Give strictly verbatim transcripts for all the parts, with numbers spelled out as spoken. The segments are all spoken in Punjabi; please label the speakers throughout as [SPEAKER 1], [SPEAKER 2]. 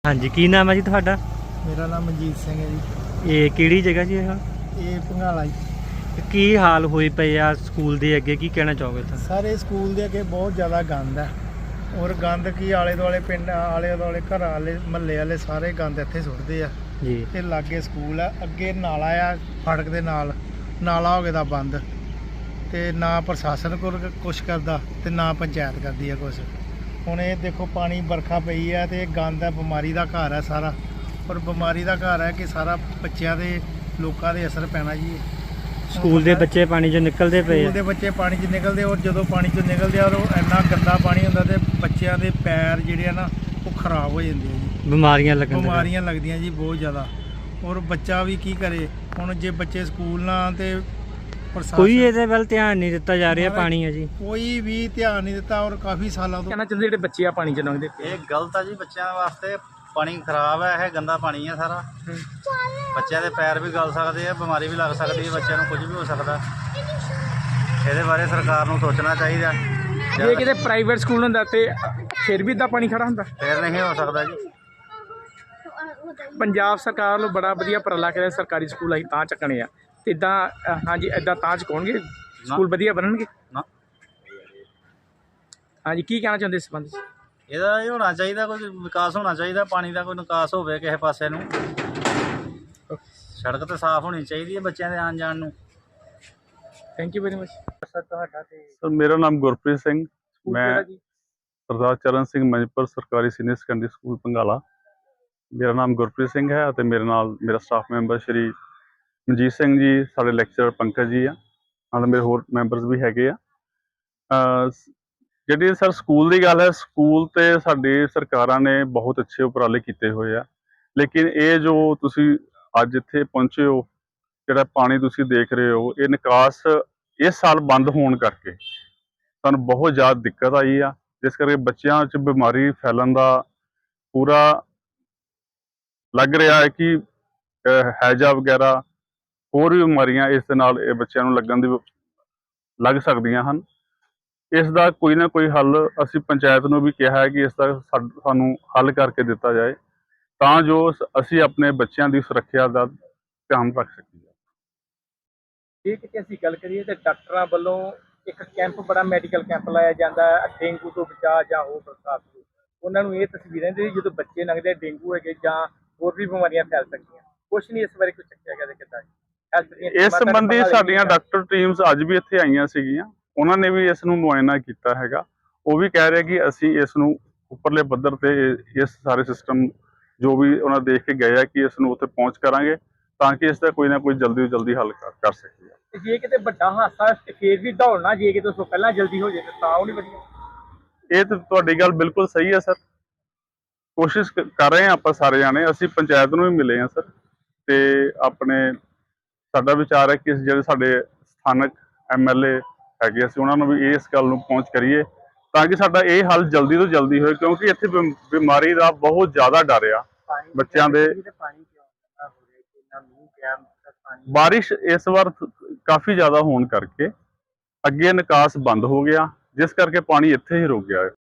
[SPEAKER 1] हाँ जी, की नाम है जी तुहाडा?
[SPEAKER 2] मेरा नाम मनजीत सिंह है जी।
[SPEAKER 1] ये किहड़ी जगह जी ये?
[SPEAKER 2] ये भंगाला जी।
[SPEAKER 1] ਤੇ ਕੀ ਹਾਲ ਹੋਈ ਪਈ ਆ ਸਕੂਲ ਦੇ ਅੱਗੇ, ਕੀ ਕਹਿਣਾ ਚਾਹੋਗੇ ਤੁਸੀਂ?
[SPEAKER 2] ਸਾਰੇ ਸਕੂਲ ਦੇ ਅੱਗੇ ਬਹੁਤ ਜ਼ਿਆਦਾ ਗੰਦ ਹੈ ਔਰ ਗੰਦ ਕੀ ਆਲੇ ਦੁਆਲੇ ਪਿੰਡ ਆਲੇ ਦੁਆਲੇ ਘਰਾਂ ਵਾਲੇ ਮਹੱਲੇ ਵਾਲੇ ਸਾਰੇ ਗੰਦ ਇੱਥੇ ਸੁੱਟਦੇ ਆ
[SPEAKER 1] ਜੀ।
[SPEAKER 2] ਤੇ ਲਾਗੇ ਸਕੂਲ ਆ, ਅੱਗੇ ਨਾਲਾ ਆ ਫੜਕ ਦੇ ਨਾਲ, ਨਾਲਾ ਹੋ ਗਿਆ ਦਾ ਬੰਦ ਤੇ ਨਾ ਪ੍ਰਸ਼ਾਸਨ ਕੋਲ ਕੁਛ ਕਰਦਾ ਤੇ ਨਾ ਪੰਚਾਇਤ ਕਰਦੀ ਆ ਕੁਛ। ਹੁਣ ਇਹ ਦੇਖੋ ਪਾਣੀ ਵਰਖਾ ਪਈ ਆ ਤੇ ਗੰਦ ਹੈ, ਬਿਮਾਰੀ ਦਾ ਘਰ ਹੈ ਸਾਰਾ, ਔਰ ਬਿਮਾਰੀ ਦਾ ਘਰ ਹੈ ਕਿ ਸਾਰਾ ਬੱਚਿਆਂ ਦੇ ਲੋਕਾਂ ਦੇ ਅਸਰ ਪੈਣਾ ਜੀ।
[SPEAKER 1] ਸਕੂਲ ਦੇ ਬੱਚੇ ਪਾਣੀ 'ਚੋਂ ਨਿਕਲਦੇ ਪਏ
[SPEAKER 2] ਸਕੂਲ ਦੇ ਬੱਚੇ ਪਾਣੀ 'ਚ ਨਿਕਲਦੇ ਔਰ ਜਦੋਂ ਪਾਣੀ 'ਚੋਂ ਨਿਕਲਦੇ ਆ ਉਹ ਇੰਨਾ ਗੰਦਾ ਪਾਣੀ ਹੁੰਦਾ ਤੇ ਬੱਚਿਆਂ ਦੇ ਪੈਰ ਜਿਹੜੇ ਆ ਨਾ ਉਹ ਖਰਾਬ ਹੋ ਜਾਂਦੇ ਆ ਜੀ,
[SPEAKER 1] ਬਿਮਾਰੀਆਂ ਲੱਗਣ
[SPEAKER 2] ਬਿਮਾਰੀਆਂ ਲੱਗਦੀਆਂ ਜੀ ਬਹੁਤ ਜ਼ਿਆਦਾ। ਔਰ ਬੱਚਾ ਵੀ ਕੀ ਕਰੇ ਹੁਣ ਜੇ ਬੱਚੇ ਸਕੂਲ ਨਾ ਤੇ
[SPEAKER 1] ਕੋਈ ਇਹਦੇ ਵੱਲ ਧਿਆਨ ਨਹੀਂ ਦਿੱਤਾ ਜਾ ਰਿਹਾ। ਪਾਣੀ ਹੈ ਜੀ,
[SPEAKER 2] ਕੋਈ ਵੀ ਧਿਆਨ ਨਹੀਂ ਦਿੱਤਾ ਔਰ ਕਾਫੀ ਸਾਲਾਂ ਤੋਂ
[SPEAKER 3] ਕਹਿਣਾ ਚਾਹੁੰਦੇ ਜਿਹੜੇ ਬੱਚੇ ਆ ਪਾਣੀ 'ਚ ਲੰਘਦੇ
[SPEAKER 4] ਇਹ ਗਲਤ ਆ ਜੀ ਬੱਚਿਆਂ ਵਾਸਤੇ। ਪਾਣੀ ਖਰਾਬ ਹੈ, ਇਹ ਗੰਦਾ ਪਾਣੀ ਹੈ ਸਾਰਾ। ਬੱਚਿਆਂ ਦੇ ਪੈਰ ਵੀ ਗਲ ਸਕਦੇ ਆ, ਬਿਮਾਰੀ ਵੀ ਲੱਗ ਸਕਦੀ ਹੈ, ਬੱਚਿਆਂ ਨੂੰ ਕੁਝ ਵੀ ਹੋ ਸਕਦਾ। ਇਹਦੇ ਬਾਰੇ ਸਰਕਾਰ ਨੂੰ ਸੋਚਣਾ ਚਾਹੀਦਾ।
[SPEAKER 3] ਜੇ ਕਿਤੇ ਪ੍ਰਾਈਵੇਟ ਸਕੂਲ ਹੁੰਦਾ ਤੇ ਫਿਰ ਵੀ ਇੱਦਾਂ ਪਾਣੀ ਖੜਾ ਹੁੰਦਾ,
[SPEAKER 4] ਫਿਰ ਨਹੀਂ ਹੋ ਸਕਦਾ ਜੀ।
[SPEAKER 3] ਪੰਜਾਬ ਸਰਕਾਰ ਨੂੰ ਬੜਾ ਵਧੀਆ ਉਪਰਾਲਾ ਕਰਿਆ, ਸਰਕਾਰੀ ਸਕੂਲ ਅਸੀਂ ਤਾਂ ਚੱਕਣੇ ਆ ਤੇ ਇੱਦਾਂ ਹਾਂਜੀ ਇੱਦਾਂ ਤਾਂ ਚੁਕਾਉਣਗੇ ਸਕੂਲ ਵਧੀਆ ਬਣਨਗੇ
[SPEAKER 4] ਨਾ।
[SPEAKER 3] ਹਾਂਜੀ, ਕੀ ਕਹਿਣਾ ਚਾਹੁੰਦੇ ਇਸ ਸੰਬੰਧ 'ਚ?
[SPEAKER 4] ਇਹਦਾ ਇਹ ਹੋਣਾ ਚਾਹੀਦਾ, ਕੋਈ ਵਿਕਾਸ ਹੋਣਾ ਚਾਹੀਦਾ, ਪਾਣੀ ਦਾ ਕੋਈ ਨਿਕਾਸ ਹੋਵੇ ਕਿਸੇ ਪਾਸੇ ਨੂੰ। ਸੜਕ ਤਾਂ ਸਾਫ਼ ਹੋਣੀ ਚਾਹੀਦੀ ਹੈ ਬੱਚਿਆਂ ਦੇ ਆਉਣ ਜਾਣ ਨੂੰ।
[SPEAKER 3] Thank you very much.
[SPEAKER 2] Sir ਤੁਹਾਡਾ ਤੇ
[SPEAKER 5] ਸਰ ਮੇਰਾ ਨਾਮ ਗੁਰਪ੍ਰੀਤ ਸਿੰਘ, ਮੈਂ
[SPEAKER 3] ਜੀ
[SPEAKER 5] ਸਰਦਾਰ ਚਰਨ ਸਿੰਘ ਮੰਜਪੁਰ ਸਰਕਾਰੀ ਸੀਨੀਅਰ ਸੈਕੰਡਰੀ ਸਕੂਲ ਭੰਗਾਲਾ। ਮੇਰਾ ਨਾਮ ਗੁਰਪ੍ਰੀਤ ਸਿੰਘ ਹੈ ਅਤੇ ਮੇਰੇ ਨਾਲ ਮੇਰਾ ਸਟਾਫ ਮੈਂਬਰ ਸ਼੍ਰੀ ਮਨਜੀਤ ਸਿੰਘ ਜੀ, ਸਾਡੇ ਲੈਕਚਰਰ ਪੰਕਜ ਜੀ ਆ, ਨਾਲ ਮੇਰੇ ਹੋਰ ਮੈਂਬਰਸ ਵੀ ਹੈਗੇ ਆ। ਜਿਹੜੀ ਸਰ ਸਕੂਲ ਦੀ ਗੱਲ ਹੈ, ਸਕੂਲ ਤੇ ਸਾਡੀ ਸਰਕਾਰਾਂ ਨੇ ਬਹੁਤ ਅੱਛੇ ਉਪਰਾਲੇ ਕੀਤੇ ਹੋਏ ਆ, ਲੇਕਿਨ ਇਹ ਜੋ ਤੁਸੀਂ ਅੱਜ ਇੱਥੇ ਪਹੁੰਚੇ ਹੋ, ਜਿਹੜਾ ਪਾਣੀ ਤੁਸੀਂ ਦੇਖ ਰਹੇ ਹੋ, ਇਹ ਨਿਕਾਸ ਇਸ ਸਾਲ ਬੰਦ ਹੋਣ ਕਰਕੇ ਸਾਨੂੰ ਬਹੁਤ ਜ਼ਿਆਦਾ ਦਿੱਕਤ ਆਈ ਆ, ਜਿਸ ਕਰਕੇ ਬੱਚਿਆਂ 'ਚ ਬਿਮਾਰੀ ਫੈਲਣ ਦਾ ਪੂਰਾ ਲੱਗ ਰਿਹਾ ਹੈ ਕਿ ਹੈਜਾ ਵਗੈਰਾ ਹੋਰ ਵੀ ਬਿਮਾਰੀਆਂ ਇਸ ਦੇ ਨਾਲ ਇਹ ਬੱਚਿਆਂ ਨੂੰ ਲੱਗਣ ਦੀ ਲੱਗ ਸਕਦੀਆਂ ਹਨ। ਇਸ ਦਾ ਕੋਈ ਨਾ ਕੋਈ ਹੱਲ ਅਸੀਂ ਪੰਚਾਇਤ ਨੂੰ ਵੀ ਕਿਹਾ ਹੈ ਕਿ ਇਸ ਦਾ ਸਾਨੂੰ ਹੱਲ ਕਰਕੇ ਦਿੱਤਾ ਜਾਏ ਤਾਂ ਜੋ ਅਸੀਂ ਆਪਣੇ ਬੱਚਿਆਂ ਦੀ ਸੁਰੱਖਿਆ ਦਾ ਧਿਆਨ ਰੱਖ ਸਕੀਏ।
[SPEAKER 3] ਜੇ ਕਿਤੇ ਅਸੀਂ ਗੱਲ ਕਰੀਏ ਤਾਂ ਡਾਕਟਰਾਂ ਵੱਲੋਂ ਇੱਕ ਕੈਂਪ, ਬੜਾ ਮੈਡੀਕਲ ਕੈਂਪ ਲਾਇਆ ਜਾਂਦਾ ਹੈ ਡੇਂਗੂ ਤੋਂ ਬਚਾਅ ਜਾਂ ਹੋਰ ਬਰਸਾਤ ਤੋਂ। ਉਹਨਾਂ ਨੂੰ ਇਹ ਤਸਵੀਰਾਂ ਦੇ ਜਦੋਂ ਬੱਚੇ ਲੰਘਦੇ ਡੇਂਗੂ ਹੈਗੇ ਜਾਂ ਹੋਰ ਵੀ ਬਿਮਾਰੀਆਂ ਫੈਲ ਸਕਦੀਆਂ, ਕੁਛ ਨਹੀਂ ਇਸ ਬਾਰੇ ਕੁਝ ਚੱਕਿਆ ਗਿਆ ਕਿੱਦਾਂ?
[SPEAKER 5] ਇਸ ਸੰਬੰਧੀ ਸਾਡੀਆਂ ਡਾਕਟਰ ਟੀਮਸ ਅੱਜ ਵੀ ਇੱਥੇ ਆਈਆਂ ਸੀਗੀਆਂ, ਉਹਨਾਂ ਨੇ ਵੀ ਇਸ ਨੂੰ ਮੁਆਇਨਾ ਕੀਤਾ ਹੈਗਾ। ਉਹ ਵੀ ਕਹਿ ਰਹੇ ਕਿ ਅਸੀਂ ਇਸ ਨੂੰ ਉੱਪਰਲੇ ਪੱਧਰ ਤੇ ਇਸ ਸਾਰੇ ਸਿਸਟਮ ਜੋ ਵੀ ਉਹਨਾਂ ਦੇਖ ਕੇ ਗਏ ਆ ਕਿ ਇਸ ਨੂੰ ਉੱਥੇ ਪਹੁੰਚ ਕਰਾਂਗੇ ਤਾਂ ਕਿ ਇਸ ਦਾ ਕੋਈ ਨਾ ਕੋਈ ਜਲਦੀ ਤੋਂ ਜਲਦੀ ਹੱਲ ਕਰ ਸਕੀਏ।
[SPEAKER 3] ਜੇ ਕਿਤੇ ਵੱਡਾ ਹਾਦਸਾ ਫੇਰ ਵੀ ਦੌੜਨਾ, ਜੇ ਕਿਤੇ ਉਸ ਤੋਂ ਪਹਿਲਾਂ ਜਲਦੀ ਹੋ ਜਾਏ ਤਾਂ ਉਹ ਨਹੀਂ ਵਧੀਆ।
[SPEAKER 5] ਇਹ ਤਾਂ ਤੁਹਾਡੀ ਗੱਲ ਬਿਲਕੁਲ ਸਹੀ ਹੈ ਸਰ। ਕੋਸ਼ਿਸ਼ ਕਰ ਰਹੇ ਹਾਂ ਆਪਾਂ ਸਾਰੇ ਜਾਣੇ, ਅਸੀਂ ਪੰਚਾਇਤ ਨੂੰ ਵੀ ਮਿਲੇ ਹਾਂ ਸਰ, ਤੇ ਆਪਣੇ ਸਾਡਾ ਵਿਚਾਰ ਹੈ ਕਿ ਜਿਹੜੇ ਸਾਡੇ ਸਥਾਨਕ ਐਮ ਐਲ ਏ ਹੈਗੇ, ਅਸੀਂ ਉਹਨਾਂ ਨੂੰ ਵੀ ਇਸ ਗੱਲ ਨੂੰ ਪਹੁੰਚ ਕਰੀਏ ਤਾਂ ਕਿ ਸਾਡਾ ਇਹ ਹੱਲ ਜਲਦੀ ਤੋਂ ਜਲਦੀ ਹੋਏ, ਕਿਉਂਕਿ ਇੱਥੇ ਬਿਮਾਰੀ ਦਾ ਬਹੁਤ ਜ਼ਿਆਦਾ ਡਰ ਆ ਬੱਚਿਆਂ ਦੇ। ਬਾਰਿਸ਼ ਇਸ ਵਾਰ ਕਾਫੀ ਜ਼ਿਆਦਾ ਹੋਣ ਕਰਕੇ ਅੱਗੇ ਨਿਕਾਸ ਬੰਦ ਹੋ ਗਿਆ, ਜਿਸ ਕਰਕੇ ਪਾਣੀ ਇੱਥੇ ਹੀ ਰੁਕ ਗਿਆ ਹੈ।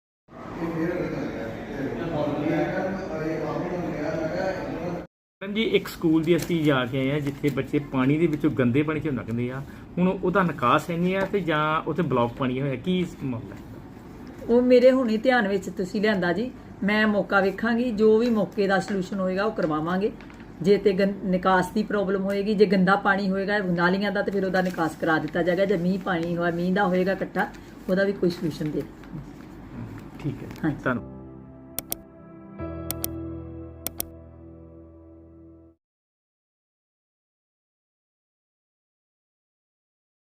[SPEAKER 3] ਜੀ ਇੱਕ ਸਕੂਲ ਦੀ ਅਸੀਂ ਜਾ ਕੇ ਆਏ ਹਾਂ ਜਿੱਥੇ ਬੱਚੇ ਪਾਣੀ ਦੇ ਵਿੱਚੋਂ ਗੰਦੇ ਪਾਣੀ 'ਚ ਲੰਘਦੇ ਆ, ਹੁਣ ਉਹਦਾ ਨਿਕਾਸ ਹੈ ਨਹੀਂ ਆ ਤੇ ਜਾਂ ਉੱਥੇ ਬਲੌਕ ਪਾਣੀ ਹੋਇਆ, ਕੀ ਮਾਮਲਾ ਹੈ?
[SPEAKER 6] ਉਹ ਮੇਰੇ ਹੁਣੇ ਧਿਆਨ ਵਿੱਚ ਤੁਸੀਂ ਲਿਆਂਦਾ ਜੀ, ਮੈਂ ਮੌਕਾ ਵੇਖਾਂਗੀ, ਜੋ ਵੀ ਮੌਕੇ ਦਾ ਸੋਲੂਸ਼ਨ ਹੋਏਗਾ ਉਹ ਕਰਵਾਵਾਂਗੇ। ਜੇ ਤੇ ਨਿਕਾਸ ਦੀ ਪ੍ਰੋਬਲਮ ਹੋਏਗੀ, ਜੇ ਗੰਦਾ ਪਾਣੀ ਹੋਏਗਾ ਨਾਲੀਆਂ ਦਾ, ਤੇ ਫਿਰ ਉਹਦਾ ਨਿਕਾਸ ਕਰਾ ਦਿੱਤਾ ਜਾਏਗਾ। ਜੇ ਮੀਂਹ ਪਾਣੀ ਹੋਇਆ, ਮੀਂਹ ਦਾ ਹੋਏਗਾ ਇਕੱਠਾ, ਉਹਦਾ ਵੀ ਕੋਈ ਸੋਲੂਸ਼ਨ ਦੇ।
[SPEAKER 3] ਠੀਕ ਹੈ,
[SPEAKER 6] ਹਾਂਜੀ
[SPEAKER 3] ਧੰਨਵਾਦ।